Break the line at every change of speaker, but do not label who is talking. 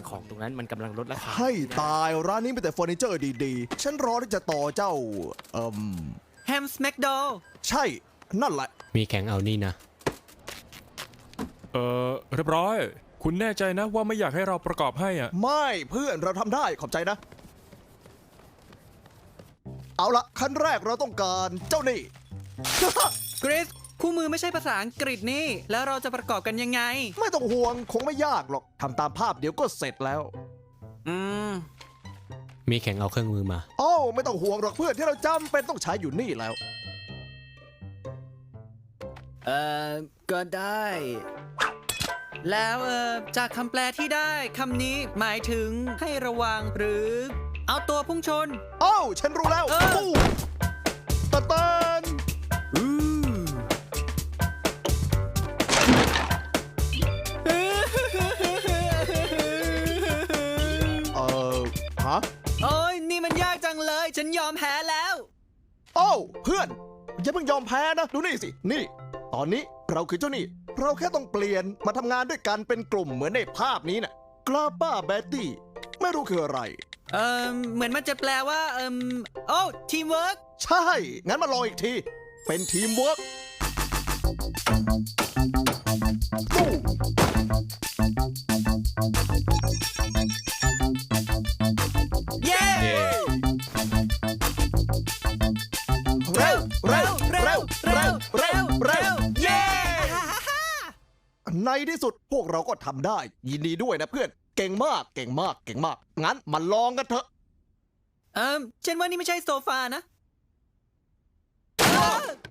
ของตรงนั้นมันกำลังลดราคา
ให้ตายร้านนี้มีแต่เฟอร์นิเจอร์ดีๆ ฉันรอที่จะต่อเจ้า
แฮมสแมกโด
ใช่ นั่นแหละ
มีแข่งเอานี่นะ
เรียบร้อย คุณแน่ใจนะว่าไม่อยากให้เราประกอบให้อ่ะ
ไม่เพื่อนเราทำได้ขอบใจนะ เอาละขั้นแรกเราต้องการเจ้านี่
กริสคู่มือไม่ใช่ภาษาอังกฤษนี่ แล้วเราจะประกอบกันยังไง
ไม่ต้องห่วงคงไม่ยากหรอกทำตามภาพเดี๋ยวก็เสร็จแล้ว
อืม
มีแข่งเอาเครื่องมือมา
โอ้ไม่ต้องห่วงหรอกเพื่อนที่เราจำเป็นต้องใช้อยู่นี่แล้ว
ก็ได้ แล้วจากคำแปลที่ได้คำนี้หมายถึงให้ระวังหรือ เอาตัวพุ่งชน
โอ้ฉันรู้แล้ว
เออ
ตู้ตะเตันฮะ
โอ้ยนี่มันยากจังเลย ฉันยอมแพ้แล้ว
โอ้เพื่อนอย่าเพิ่งยอมแพ้นะ ดูนี่สิ นี่ ตอนนี้เราคือเจ้านี่ เราแค่ต้องเปลี่ยนมาทำงานด้วยกันเป็นกลุ่มเหมือนในภาพนี้น่ะกลาป้าแบตตี้ไม่รู้คืออะไร
เหมือนมันจะแปลว่าโอ้ทีมเวิร์ก
ใช่ งั้นมาลองอีกที เป็นทีมเวิร์กตู้
เย้
เร็วเร็วเร็วเร็วเร็วเร็ว
เย้
ในที่สุดพวกเราก็ทำได้ ยินดีด้วยนะเพื่อน เก่งมาก เก่งมาก เก่งมาก งั้นมาลองกันเถอะ
ฉันว่านี่ไม่ใช่โซฟานะ